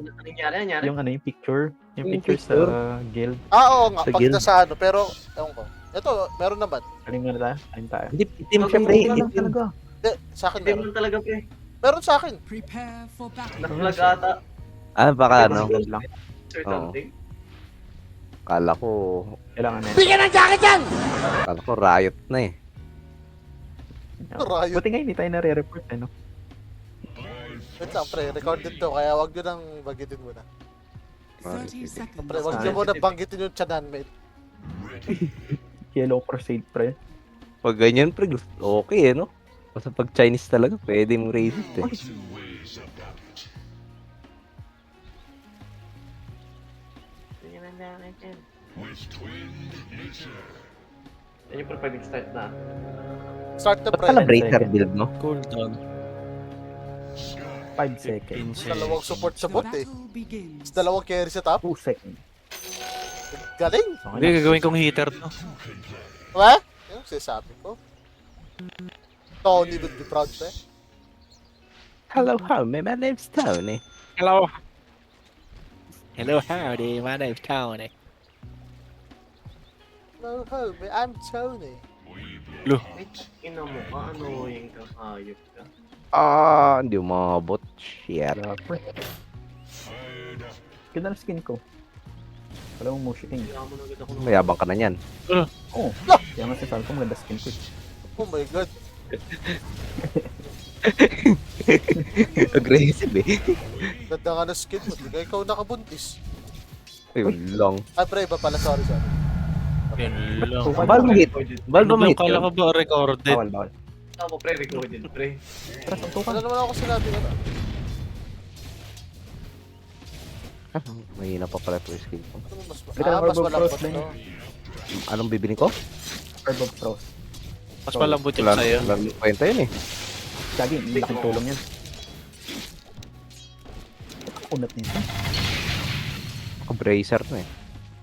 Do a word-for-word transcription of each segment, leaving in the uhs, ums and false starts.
Ano nangyari, nangyari? Yung ano, yung picture. Yung, Yung picture, picture? sa guild. Ah, oo nga. Sa Pag guild. nasa ano, pero, ewan ko. Ito, meron naman. Aling nga na tayo? Aling tayo? Hindi, itim Okay, siya, pre. okay lang Itim. talaga. Hindi, sa akin Hindi meron. man talaga, pre. Meron sa akin. Prepare for battle. Naka-flag ata. Ah, baka ano. Guild lang. Or Oo. something. Kala ko, Kailangan na yun. Bigyan ng jacket yan! kala ko riot na eh. Riot. Buti nga hindi tayo nare-report eh, no? Wait lang, pre. Recorded to. Kaya wag nyo nang banggitin muna. thirty seconds. Pre, wag nyo Ah, muna banggitin yung tiyanan, mate. Yellow Crusade, pre. Pag ganyan, pre, gusto- okay eh, no? Basta pag Chinese talaga, pwede mong raise it eh. Yan yung pre, pag nag-start na. Start the Ba't pre. pala breaker second. build, no? Cooldown. five seconds. Dalawang support sa The bot eh. battle begins. Tapos dalawang carry sa top. two seconds. Galing! Okay Hindi, na. gagawin kong heater to. Diba? Yan ang sinasabi ko. Tony would be proud, pre. Hello, how? My name's Tony. Hello. Hello, howdy. My name's Tony. Hello, homie. I'm Tony. Ay, ina mo ka, ano yung kakayop ka? Ah, hindi mo mabot. Shit. Wala, pre. Ganda ng skin ko. Wala mong motion king. Kaya mo na agad ako ng... Mayabang ka na yan. Oo. Kaya nga sinasabi ko maganda skin ko. eh. Oh my god. Aggressive eh. Ganda nga na skin mo. Di ka ikaw nakabuntis. Ayun lang. Ah, pre, iba pala. Sorry, sorry. Yun lang. Bal mo hit. Bal mo Ano hit kala yun. ko ba recorded? Bawal, bawal. Ako, pre, recorded, pre. Tara, suntukan. Wala naman ako sinabi ka na. Mahina pa pala ito yung skill ko. Ano mas, Halika ah, na, mas Orb of malambot Frost, Lenny. to. Anong bibili ko? Herb of Frost. Mas malambot yung Wala sa'yo. wala nang kwenta yun eh. Gagi, ang laking tulong yan. Kunat nito. Naka-bracer na eh.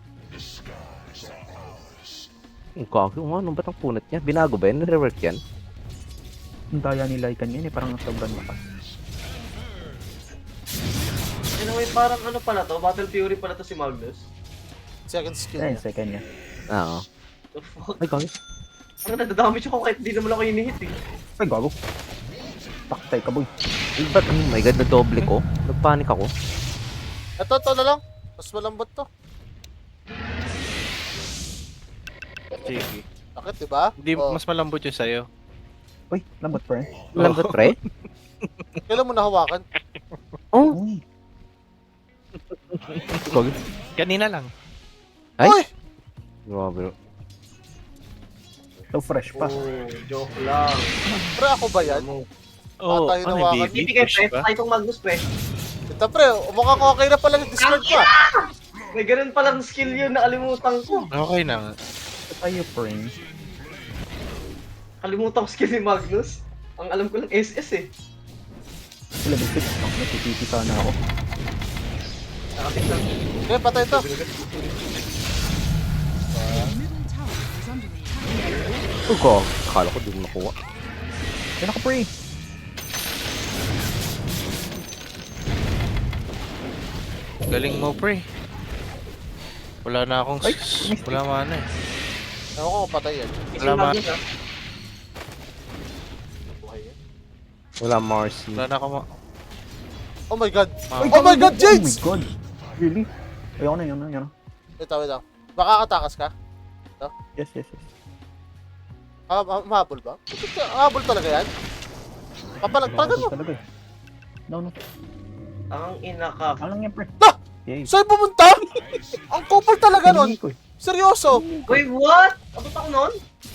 Ang kaki, ano ba't ang punat niya? Binago ba yan? Nire-work yan? Ang daya ni Lycan yan eh, parang sobrang lakas. Anyway, parang ano pala to? Battle Fury pala to si Magnus. Second skill Ayun, niya. second niya. Oo. The fuck? Ay, gagi. Ang nadadamage ako kahit di naman ako inihit eh. Ay, gago. Taktay ka, boy. Ay, ba't? Oh my god, na-double ko. Nagpanik ako. Ito, ito na lang. Mas malambot to. Sige. Bakit, diba? Hindi, Oh, mas malambot yung sa'yo. Uy, lambot, pre. Lambot, pre? Kailan mo nahawakan? Oh, Uy. gagi. Kanina lang. Ay! Uy! Grabe. So fresh pa. Oh, joke lang. Pre, ako ba yan? Ano? Oo, tayo ano nawakan. yung Hindi baby? kay Push pre, ba? tayo itong Magnus pre. Ito, pre. Mukhang okay na pala yung Discord ko. ah. May ganun palang skill yun, nakalimutan ko. Okay na nga. Ito tayo, pre. Kalimutan ko skill ni Magnus. Ang alam ko lang S S eh. Level six. Oh, natititi sana ako. Nakatik lang. Okay, patay ito. Middle tower is under attack. Oh, ko. Akala ko di mo nakuha. Yan ako, pre. Galing mo, pre. Wala na akong... Ay, Wala mana eh. Ewan ko kung patay yan. Kasi Wala, Magnus ah. Buhay yan. Wala Marcy. Wala na akong... ma- Oh my god. ma- Oh my god, Oh Jades! my god. Really? Ayoko na, yun na, yun na. Wait lang, wait lang. Baka katakas ka? Yes, yes, yes. Ah, ma- mahabol ba? Mahabol talaga yan? Papalag, palagan mo. Talaga eh. No, no. Ang ina ka. Ano lang yan, pre? Ah! Yay. Saan pumunta? Ang kupal talaga nun. Hiningi ko eh. Seryoso. Wait, what? Abot ako nun?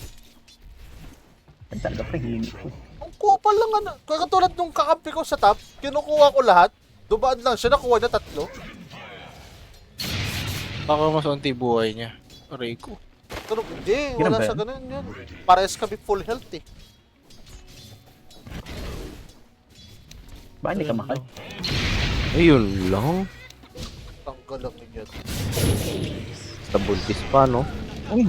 Ang talaga, pre. Hiningi ko. Ang kupal lang ano. Katulad nung kakampi ko sa top, kinukuha ko lahat. Dumaan lang siya, nakuha na tatlo. Baka mas unti buhay niya. Aray ko. Pero hindi, Ganun wala ba sa yan? ganun yan. Parehas kami full health eh. Ba, hindi ka mahal? Ayun lang. Ang galang niya. Sa buntis pa, no? Uy!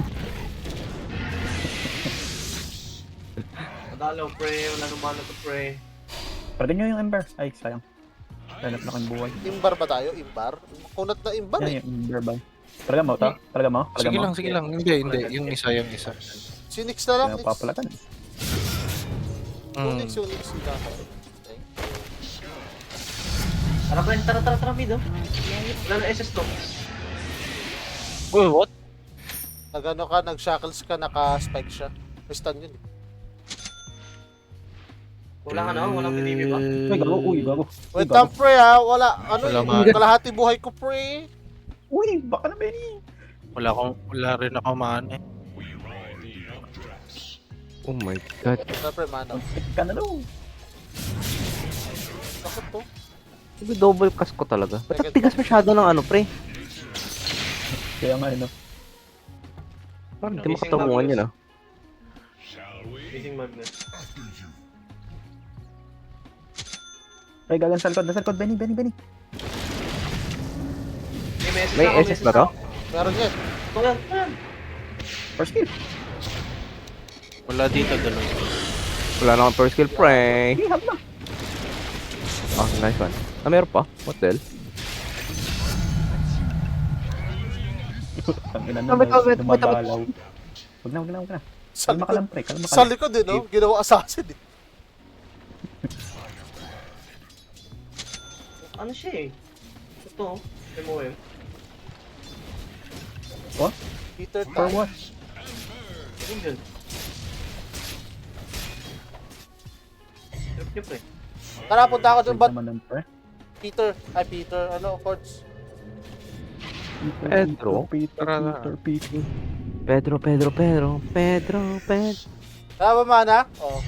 Madalaw pre, wala naman na to pre. Pwede nyo yung Ember. Ay, sayang. Hanap na kang buhay. Imbar ba tayo? Imbar? Kunat na imbar Yan eh. yung verbal. Talaga mo to? Talaga mo? Talaga Sige mo? lang, sige lang. Hindi, hindi. Yung isa, yung isa. Si Nix na lang. Kaya papalatan. Yung Hmm. Nix, yung Nix. Yung Nix. Tara, Brian, tara, tara, tara, mid, oh. Wala na S S to. Uy, what? Nagano ka, nag-shackles ka, naka-spike siya. May stun yun eh. Wala ka na, walang P T V ba? Uy, gago. Uy, gago. Uy, Wait lang, gago. pre ha. Wala, ano Wala yun? man. Kalahati buhay ko, pre. Uy, baka na, Benny. Wala akong, wala rin ako maan eh. Oh my god. Wala, pre, mana. Pick ka na daw. Bakit to? Sabi double cast ko talaga. Ba't ang tigas masyado ng ano, pre? Kaya nga, ano. Parang di makatunguhan yun, ah. Facing Magnus. Ay, gagan sa likod. Nasa likod, Benny, Benny, Benny. May S S May ako, S S ba to? Meron yan. Ito yan, yan. First kill. Wala dito, dalawa. Wala na akong first kill, pre. Hey, hab na. Oh, nice one. Ah, meron pa. What the hell? Ang ina Ah, wait, na, wait, wait, dumabalaw. Huwag na, huwag na, huwag na. Sa Kalma ka likod, lang, pre. Kalma ka sa lang. likod eh, no? Ginawa assassin eh. Ano siya eh? Ito, M O M. What? Peter For Tan. what? Ayun dyan. Trip niyo, pre. Tara, punta ako dun. Wait Ba't naman ng pre. Peter? Ay, Peter. Ano, Forts? Pedro? Peter, Tara na. Peter, Peter. Pedro, Pedro, Pedro, Pedro, Pedro. Tara ba, mana? Oo.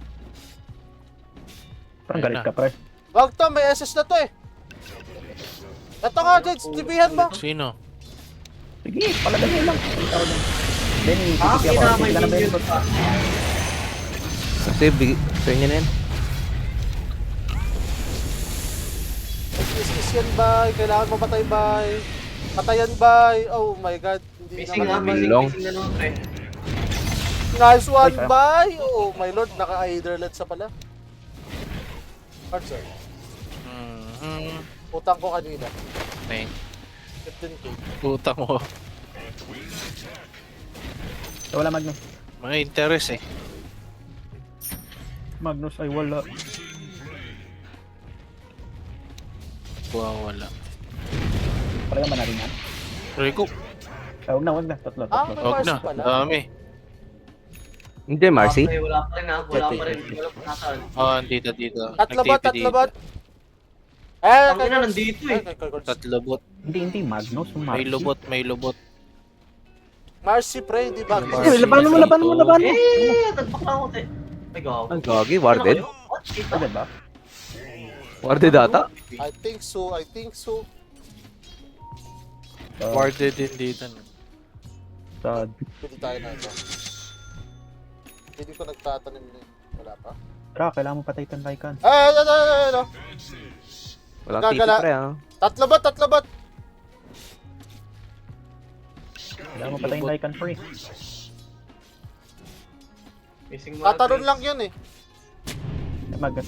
Parang Ayun galit na. ka, pre. Wag to, may S S na to eh. Ito nga, Jade. Tibihan mo. Sino? Sige, palagay lang. Ikaw lang. Benny, Ah, sige ako. kina may Sige ka na, Benny. video pa. Kasi, big, sa inyo na yan. Is yan, bay. Kailangan mamatay, bay. Patayan, bay. Oh my god. Hindi Facing na, naman. facing, Long. facing na naman, pre. Nice one, Ay, kaya- bay. Oh my lord. Naka-Aiderlet sa pala. Parts, sir. Hmm. Utang ko kanina. Thank. fifteen K. Utang mo. Wala Magnus. Mga interest eh. Magnus ay wala. Wow, wala. Talaga man natin yan. Rico, Ah, huwag na, huwag na. Tatlo, Ah, tatlo. may wag Marcy na. pala. Dami. Hindi, Marcy. Ah, pre, wala pa rin ha, wala pa rin. Wala pa nasaan. Oh, dito, dito. Tatlo bot, Nag-T P tatlo dito. bot. Eh, Ang ina, nandito eh. Ay, kay Kurtz. Tatlo bot. Hindi, hindi. Magnus. Yung May Marcy. lubot, may lubot. Marcy, pre, di ba? Marcy. Eh, labanan mo, labanan mo, labanan mo. Eh, tadbak lang ako, te. Ay, gago. Ang gagi, Ano warded. kayo? What? Kita? Agad ba? Warded ata. I think so, I think so. Uh, Warded din dito. no? Sad. Pwede tayo na ito. Hindi ko nagtatanim na yun. Wala pa. Tara, kailangan mo patay itong Lycan. Eh, eh, eh, eh, eh, no. Walang titi, Gagala. pre, ah. Tatlo bot, tatlo bot. Kailangan mo patay yung Lycan free. Facing Tataron Magnus. lang yun eh. Eh, Magnus.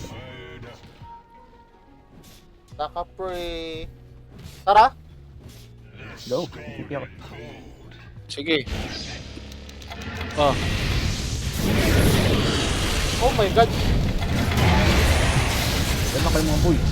Taka, pre. Tara. Go. T P ako. Sige. Oh, Oh my god. Kailan kayo mga boy?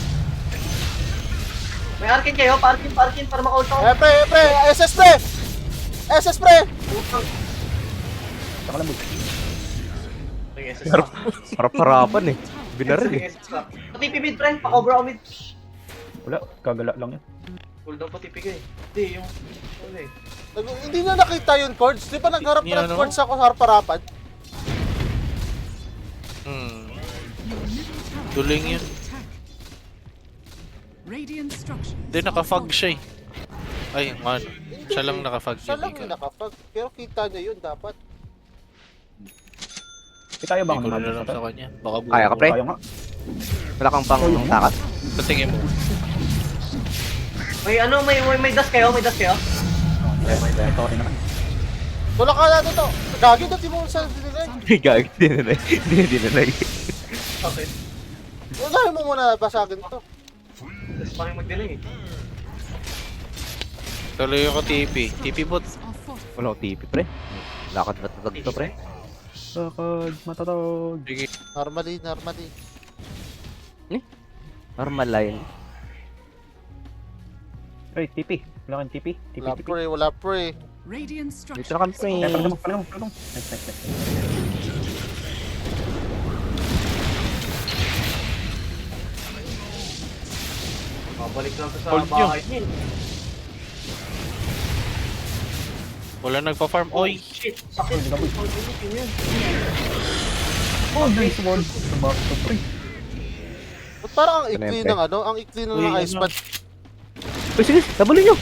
May arkin kayo, parkin, parkin, para maka-ult ako. Eh, pre, eh, pre. S S, pre. S S, pre. Saka lang boy. May S S pa. Harap-harapan eh. Binaril May eh. S S pa. Pati P mid, pre. Pa-cover ako mid. Wala, kagala lang yan. Cooldown pati P ka eh. Hindi, yung... Ano eh. Nag- hindi na nakita yun, Cords. Di ba nagharap Ni- na ni ng ano? Cords ako sa harap-harapan? hmm. Your middle tower Duling is yun. under attack. Radiant structures. Hindi, nakafag siya eh. Ay, man. Siya lang nakafag. Siya lang hindi yung ka. nakapag. Pero kita niya yun dapat. Eh, kaya ba Hindi ako ko ng rin Magnus alam na sa to? kanya. Baka buo. Kaya ka, pre? Kaya nga. Wala kang pang takas. Sa tingin mo. May ano, may, may, may dash kayo, may dash kayo. May Tori naman. Tulak ka natin to. Gagi na, di mo sa dinirek. Gagi, di na na. Di na na. Okay. Unahin mo muna basagin to. Tapos pa kayo mag-delay eh. Tuloy ako T P. T P bot. Are fortified. Wala ko T P, pre. Lakad matatag to, pre. Sakad, matatag. Sige. Normally, normally. Normal line. Ay, T P. Wala kang T P. T P, Wala T P. pre, wala pre. Radiant Dito structures. na kami, pre. Eh, palagam mo, palagam mo, palagam mo. Nice, nice, nice. Babalik lang to sa Hold nyo. bahay niya. Wala nagpa-farm. Oy! Shit! Sakit! Hindi ka, boy. Hold nyo yun. Oh, nice one. Sabak to, pre. Ba't parang ang ikli Siyempre. ng ano? Ang ikli na Uy, ng ice ano? pad. Uy, sige, tabulin nyo.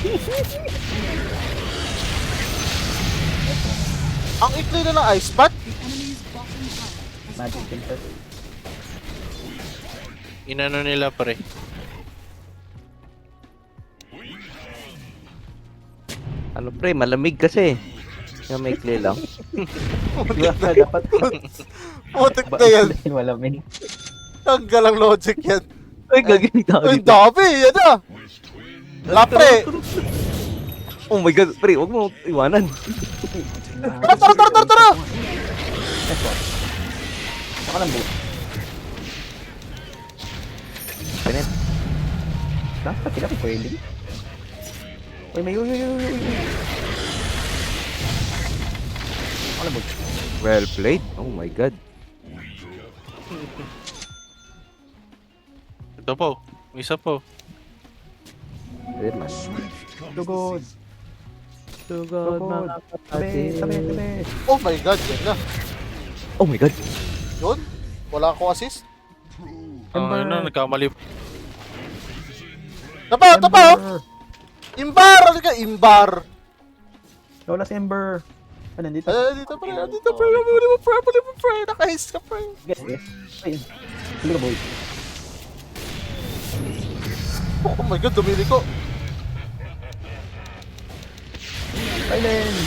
Ang ikli na ng ice pad? The enemy's bottom tower has Magic fallen. filter. Inano nila pre. Ano, pre, malamig kasi. Yung may clay lang. Diba, dapat. Putik na yan. Malamig. Ang galang logic yan. Uy, gagawin tao Ay, dito. dami! Yan na! Wala pre! Oh my god, pre, huwag mo iwanan. Tara, tara, tara, tara, tara! Nice one. Saka lang, boat. Pinet. Dapat sila kung pwede. Uy, may uy, uy, uy, uy, uy. Saka lang, boat. Well played. Oh my god. Ito po. Isa po. Ayun man. Tugod. Tugod, mga Tabi, tabi, tabi. Oh my god, yan na. Oh my god. Yun? Wala akong assist? Ang Ember. ano, nagkamali. Tapa, tapa! oh! Ember. Imbar! Ano ka? Imbar! Wala si Ember. Ah, nandito. Ay, dito pre, dito pre, muli mo pre, muli mo pre, naka-haste ka pre. Yes, yes. Ayun. Huli ka, boy. Oh my god, dumili ko. Silent!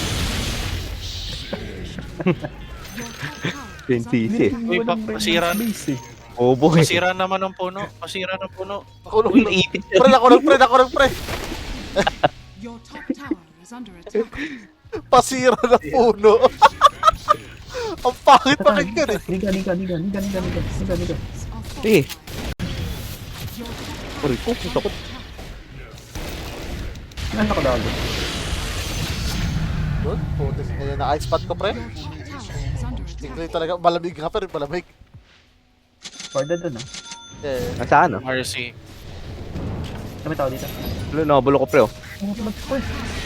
Your top tower is twenty under eh. Uy, pa- pasira. Base, eh. Oh boy. Pasira naman ng puno. Pasira ng puno. Ako Uy, nung naipit pre, ako nung pre, ako nung pre. Your top tower is under attack. Pasira na puno. Ang pangit pakinggan eh. Liga, liga, liga, liga, liga, liga, liga, liga. Are Eh, fortified. Your top Uy, oh, puso ko. Ano nakadago? Yun, putis na yan, na-ice pad ko pre. Your top tower is under attack. Tingnan talaga, malamig nga pa rin, malamig. Parda dun, ah. Eh, Nasaan ah? Mercy. Kami tao dito. Wala, nakabulo ko pre oh. Oh, mag-spoil.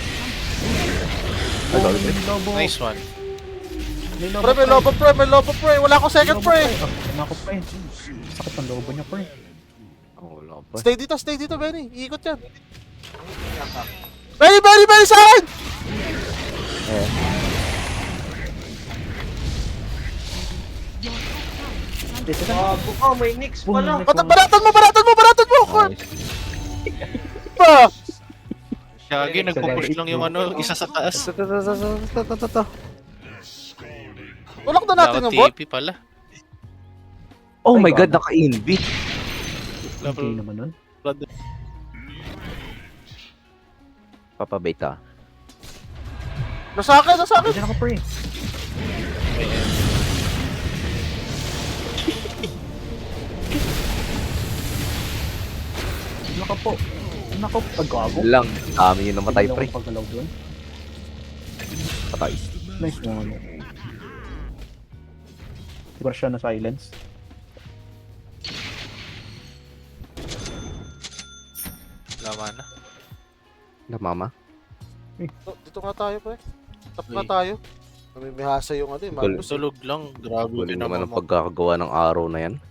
Ay, Oh, sorry, pre. may lobo. Nice one. May lobo, pre, may lobo pre, may lobo pre. Wala akong second Lobo, pre. Oh, ano ako, pre? Sakit ng lobo niya, pre. Oh, wala pa. Stay dito, stay dito, Benny. Iikot yan. Benny, Benny, Benny, sa akin! Eh, Dito ka. Bago ka, may Nix pala. Boom. Bat- Baratan mo, baratan mo, baratan mo! Kurt! nice. Ba? Shaggy, nagpo-push lang yung ano, isa sa taas. Ito, ito, ito, ito, ito, ito, ito. Tulak na natin Dapat yung bot. T P pala. Oh Ay, my god, gago. naka-invi. Okay naman nun. Papabait ah. Nasa akin, nasa akin. Diyan ako, pre. Naka po. Naka po. Pagkago. Lang, dami yung namatay pre. Pagkalaw doon. Patay. Nice one. Siguro siya na silence. Lama na. Na mama. Dito, dito nga tayo, pre. Tap nga Uy. tayo. Namimihasa yung ano eh, Gul- Magnus. Tulog lang. Grabe Galing din naman naman ang pagkakagawa ng araw na yan.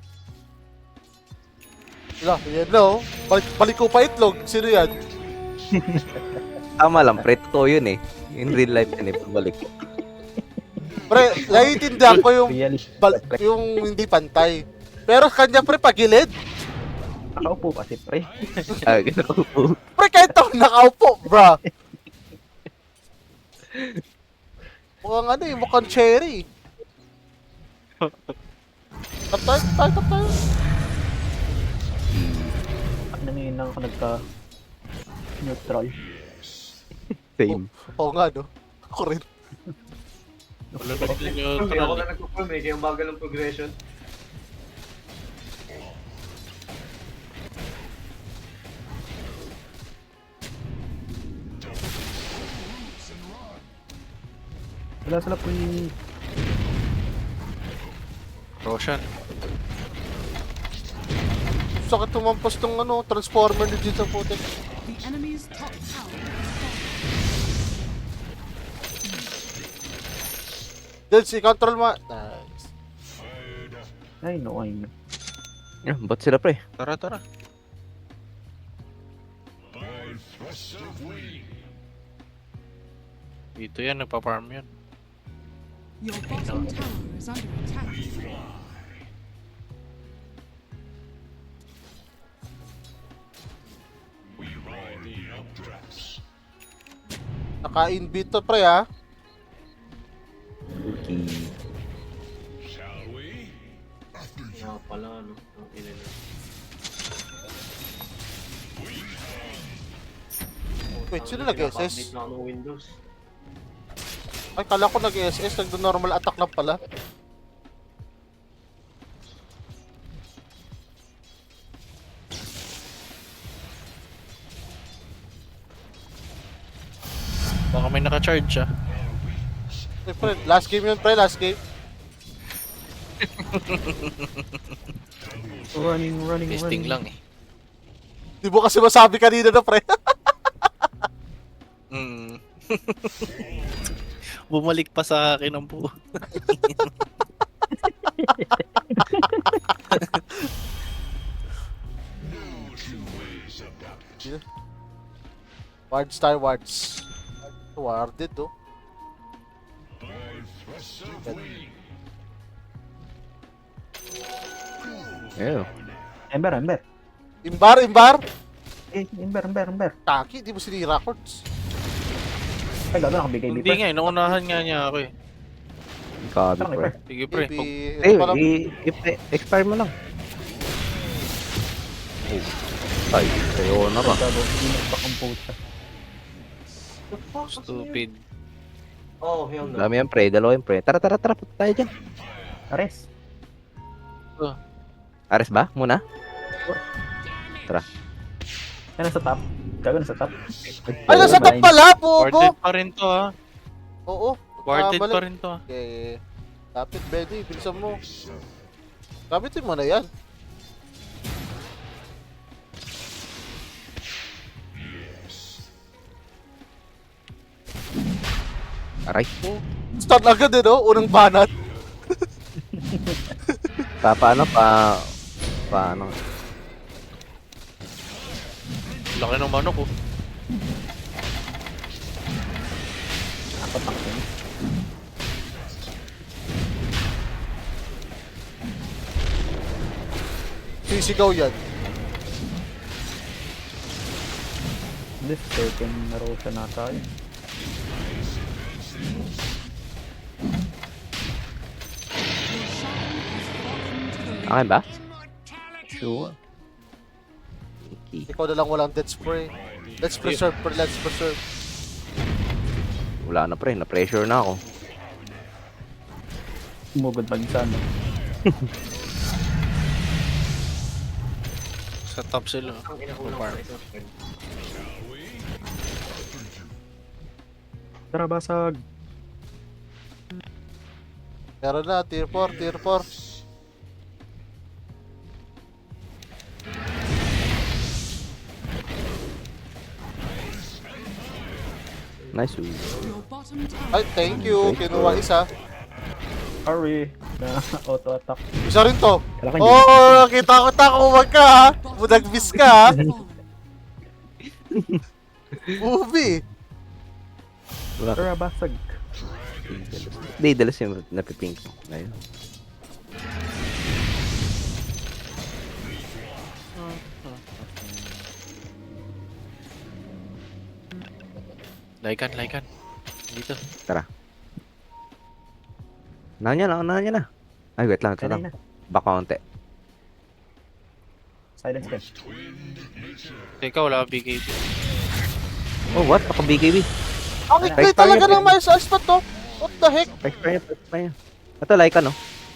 Wala, yan na oh. Balik, balik ko pa itlog. Sino yan? Tama lang, pre, totoo yun eh. In real life yan eh, pagbalik. Pre, naiintindihan ko yung, Real. bal- yung hindi pantay. Pero kanya pre, pagilid. Nakaupo kasi, pre. Ah, ganun po. Pre, kahit ako nakaupo, bra. Mukhang ano eh, mukhang cherry. Tap tayo, tap tayo, tap tayo. Nangingin ngayon lang ako nagka neutral. Same. Oo nga, no? Ako rin. Wala na din yung Hindi ako troll. na nagpo-form eh, kaya ang bagal ng progression. Wala sila po yung... Roshan. Sakit tumampas tong ano, transformer ni Jin sa putik. The enemy's top tower is Then, si control ma... Nice. Ay, no, ay, no. Yeah, ba't sila pre? Tara, tara. Dito yan, nagpa-farm yan. your bottom tower is under attack. Naka-invite to, pre, ha? Okay. Nga pala, ano. Ang ina na. Wait, sino nag-S S? Pinapa-update na ako ng Windows. Ay, kala ko nag-S S, nag-normal attack lang pala. Baka may naka-charge ah. Hey, pre, last game yun, pre, last game. Running, running, Testing running. lang eh. Di mo kasi masabi kanina na, pre. Mm. Bumalik pa sa akin ang buo. Ward Star Wards. Warded, oh. Yeah. Ember, Ember. Imbar, imbar! Eh, Ember, Ember, Ember. Taki, di mo sinira, Quartz. Ay, gano'n nakabigay Hindi dito. nga eh, naunahan nga niya ako eh. Kabi Parang pre. Ember. Sige pre, Maybe, pag Eh, ito pa lang. i- i- expire mo lang. Oh. Ay, sayo na ba? Gago, hindi nagpa-compute. The fuck? stupid. Oh, hell no. Dami yan pre, dalawa yan pre. Tara, tara, tara, punta tayo dyan. Ares. Ares ba? Muna? Ay, nasa top. Gago, nasa top. Ay, nasa top pala, Pogo! Warded pa rin to ah. Oo. Warded balik. pa rin to ah. Okay. Lapit, Betty. Bilisan mo. Kapitin mo na yan. Aray. Start agad eh, no? Unang banat. Pa, paano pa... Paano? Laki ng manok oh. Ako taksin. Sisigaw yan. This second laro siya na tayo. Your shadow has fallen to the Akin ba? Sure. Okay. Ikaw na lang walang death spray. Let's preserve, pre. Let's preserve. Wala na pre, na-pressure na ako. Sumugod pag isa, no? Sa top sila. Ang ina ko lang Farm. sa isang friend. Tara, basag. Meron na, tier four, tier four. Nice. ooh. Your bottom tower. Ay, thank you. Kinuha isa. Hurry. Na auto-attack. Isa rin to. Kala ko Oo, hindi. oh, kita ko ta kumag ka ha. Budag-miss ka ha. Movie. Wala ka. Tara, basag. Hindi, dalas yung napipink ko. Ayun. Laikan, laikan. Dito. Tara. Unahan niya na, unahan niya na. Ay, wait lang, ito Kanay lang. na. Baka konti. Silence ka. Teka, wala ka B K B. Oh, what? Ako B K B. Ang ikli Fire, talaga fire. ng Miles Alspat to. What the heck? Pa-expire, pa-expire. Ito, like ano?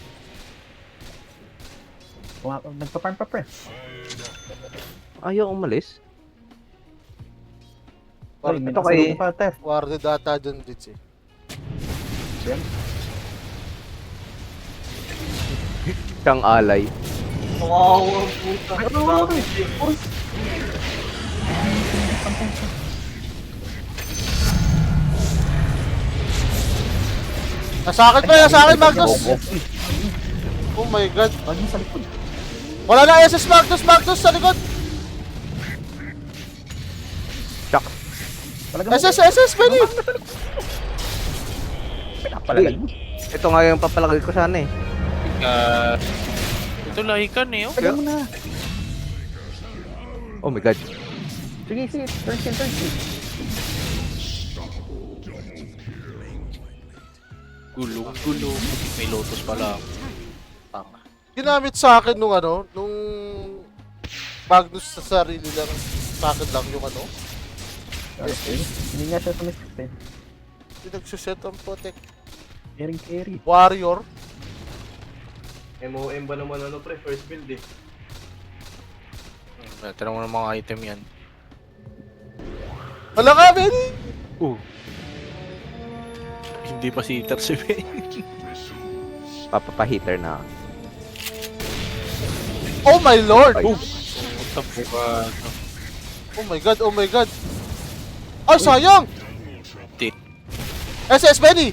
Kung ako, nagpa-farm pa pre. Ayaw umalis. Ay, may ito kay- nakasalubong pa, Tef. Warded ata dyan, Ditch eh. Yan. Siyang alay. Wow, ang puta. Grabe. Nasa akin pa, nasa akin, Magnus! Oh my god. Wag mo sa likod. Wala na S S Magnus, Magnus sa likod! Shock. Talaga mo. S S, S S, Benny! Pinapalagay mo. Ito nga yung papalagay ko sana eh. Teka. Ito lahikan eh, oh. Talaga mo na. Oh my god. Sige, sige. Turn kill, turn kill. Gulong, gulong. May lotus pala. Tanga. Ginamit sa akin nung ano, nung Magnus sa sarili lang, sa akin lang yung ano. Okay. Hindi nga siya sumisip eh. Hindi nagsuset ang protect. Carry, carry. Warrior. M O M ba naman ano pre, first build eh. Hmm, tira mo ng mga item yan. Wala ka, Benny! Uh. Hindi pa si Iter si Ben. Papapa-hitter na. Oh my lord! Ay. What the fuck? Oh my god, oh my god! Ay, sayang! Di. S S, Benny!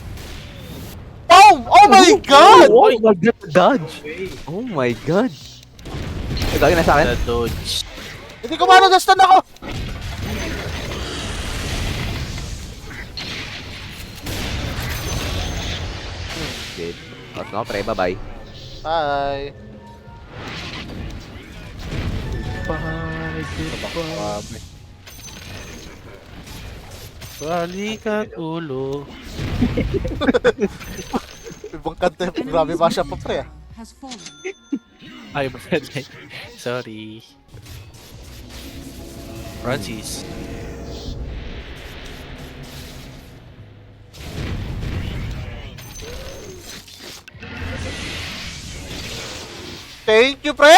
Boom! Oh my god! Oh my god, dodge! Wait. Oh my god! Ay, gagawin na sa akin? The dodge. Hindi ko mano, na-stun ako! Shit. At no, pre, bye-bye. Bye! Bye, Grabe. Balik at ulo. Ibang kanta, grabe ba siya pa pre ah. Has fallen. Ay, pwede. Sorry. Francis. Thank you, pre!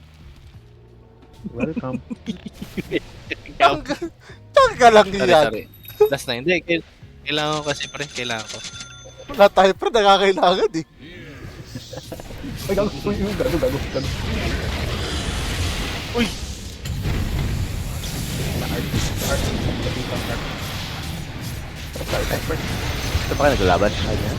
Welcome. Tangga, tangga lang Sorry, yan. sorry. Last na. Hindi, kail- kailangan ko kasi pre. Kailangan ko. Wala tayo, pre, nakakailangan eh. Ay, gago. Uy, uy, gago, gago, gago. Uy! Ito pa kayo naglalaban? Ayan.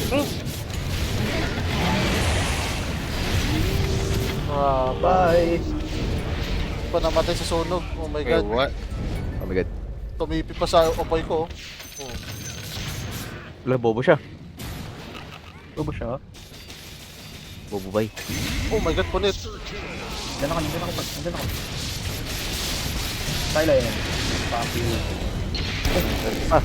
Ah, Bye. pa namatay sa sunog. Oh my Wait, god. what? Oh my god. Tumipi pa sa opoy ko. Oh. Wala, bobo siya. Bobo siya. Bobo bay. Oh my god, punit. Diyan ako, diyan ako, diyan ako. Tayo lang yan. Papi. Ah.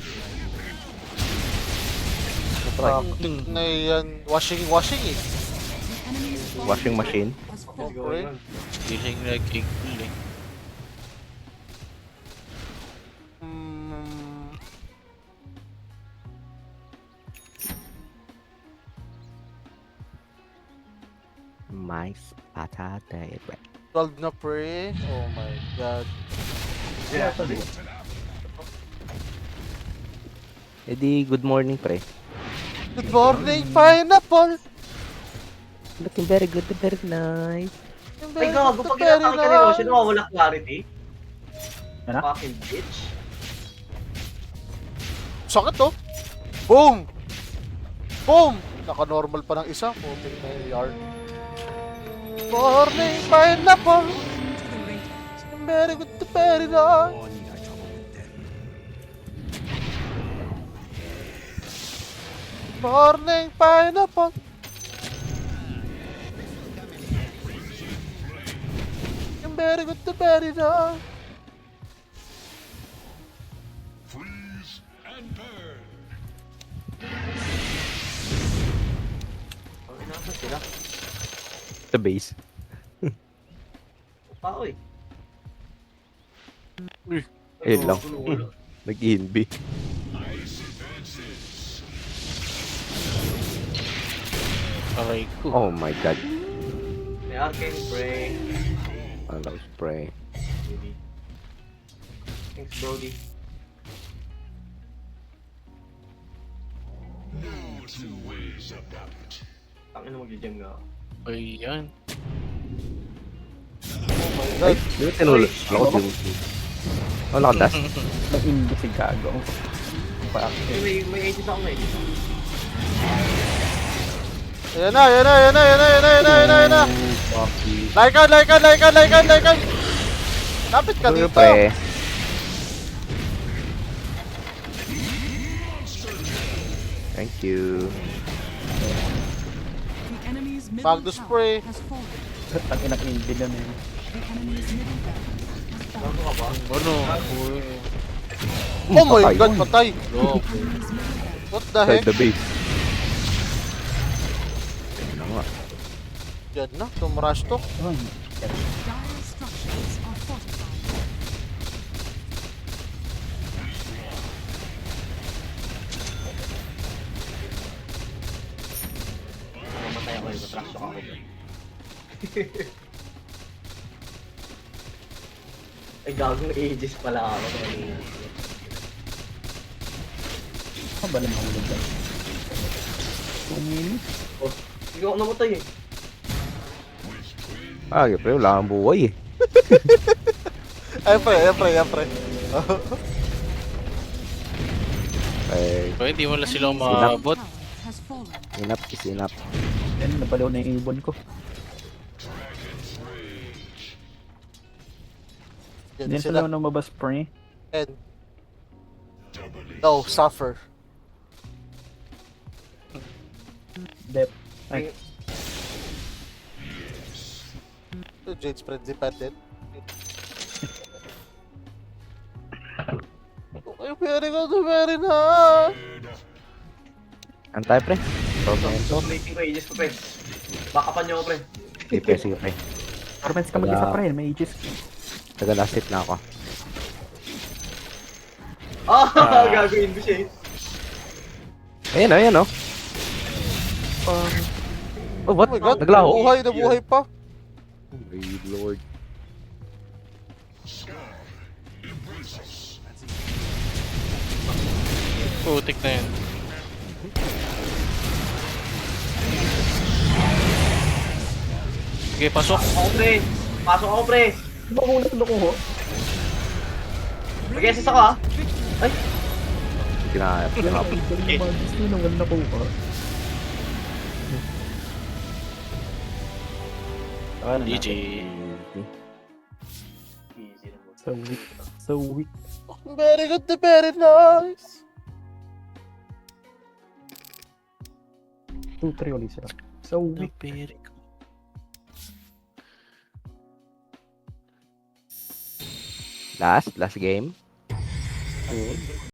Ah, na yan, washing, washing eh. The enemy's bottom Washing machine. has Let's fallen. go Okay. yun. Feeling like a cool eh. Hmm, Mais patata. twelve na pre. Oh my god. Yeah, sorry. Eh di, good morning, pre. Good morning, pineapple. Looking very good, very nice. Ay gago, pag inatake ka ni Roshan, wala clarity. Ano? Fucking bitch. Sakit to. Boom! Boom! Naka-normal pa ng isa. Puting na yung yard. Morning, pineapple. To the radiant. Very good to very nice. Morning, pineapple. Very good to very nice. Ang ina sila. The base. Tao eh. Ayun lang. Gulo-gulo. Nag-inbi. Aray ko. Oh my god. May arcane spray. Allow spray. Maybe. Thanks, Brody. Tangin na mag-jam nga ako. Ayan. Ay, di ba tinulog? Ako din. Wala ka dash. Nag-inbo si Gago. Pa. Eh, may, may ages ako na eh. Ayan na, ayan na, ayan na, ayan na, ayan na, ayan na, ayan na, ayan na. Laikan, laikan, laikan, laikan, laikan. Lapit ka Ano dito. pre? Thank you. The enemy's middle Magnus tower spray. has fallen. Ang inang inbi na men. The enemy's middle barracks has fallen. Bago ka ba? Ano? Uy. Oh my patay. god, patay. Lo. Enemy's middle barracks. What the Inside heck? the base. Ayun na nga. Yan na, tumrush to. Ay, Dire structures are fortified. Mamatay ako eh. Matrash ako. Ay, gagong ages pala ako. ano ba naman ulit ba? two minutes? Oh, hindi ako namatay eh. Ah, pre, wala kang buhay eh. Ay, pre, ay, pre, ay, pre. Eh, Pwede, hindi mo lang sila Enemy's umabot. middle tower has fallen. enough is enough. Yan, nabalaw na yung ibon ko. Yan Yan sila. sila na mabas pre. And no, suffer. Dep. Ay, Ito, Jade spread dependent. Okay, very good, very nice. Antay pre. Tormento. Plating ko ages ko, pre. Backupan niyo ako, pre. Sige pre, sige pre. Torments ka mag-isa pre, may aegis. Taga last hit na ako. Ah, gagawin ko siya eh. Ayan o, ayan o. Um, Oh, what? Oh my god, Naglaho. buhay na buhay pa. Oh my lord. Putik na yan. Sige, pasok. Ako, pre. Pasok ako, pre. Di ba kung nakuloko ho? Mag-S S ako, ah. Ay, Kinaya. Wala ko, galing na magis nyo na wala ko pa. G G. easy na mo. So weak. So weak. Very good, very nice. two three ulit sila. So weak. Last, last game.